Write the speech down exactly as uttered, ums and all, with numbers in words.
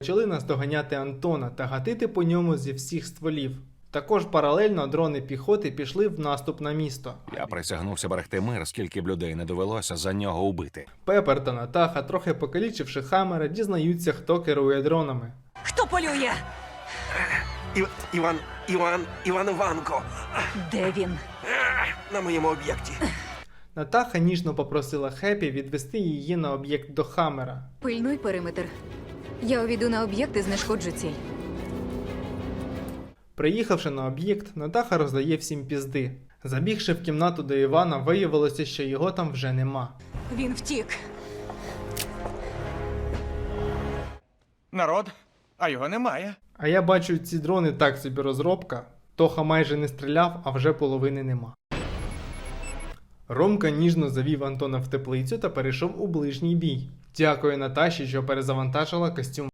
почали наздоганяти Антона та гатити по ньому зі всіх стволів. Також паралельно дрони піхоти пішли в наступ на місто. Я присягнувся берегти мир, скільки б людей не довелося за нього убити. Пепер та Натаха, трохи покалічивши Хаммера, дізнаються, хто керує дронами. Хто полює? Ів... Іван... Іван... Іван Іванко. Де він? На моєму об'єкті. Натаха ніжно попросила Хеппі відвести її на об'єкт до Хаммера. Пильнуй периметр. Я увійду на об'єкт і знешкоджу ціль. Приїхавши на об'єкт, Натаха роздає всім пізди. Забігши в кімнату до Івана, виявилося, що його там вже нема. Він втік. Народ, а його немає. А я бачу, ці дрони так собі розробка. Тоха майже не стріляв, а вже половини нема. Ромка ніжно завів Антона в теплицю та перейшов у ближній бій. Дякую Наташі, що перезавантажила костюм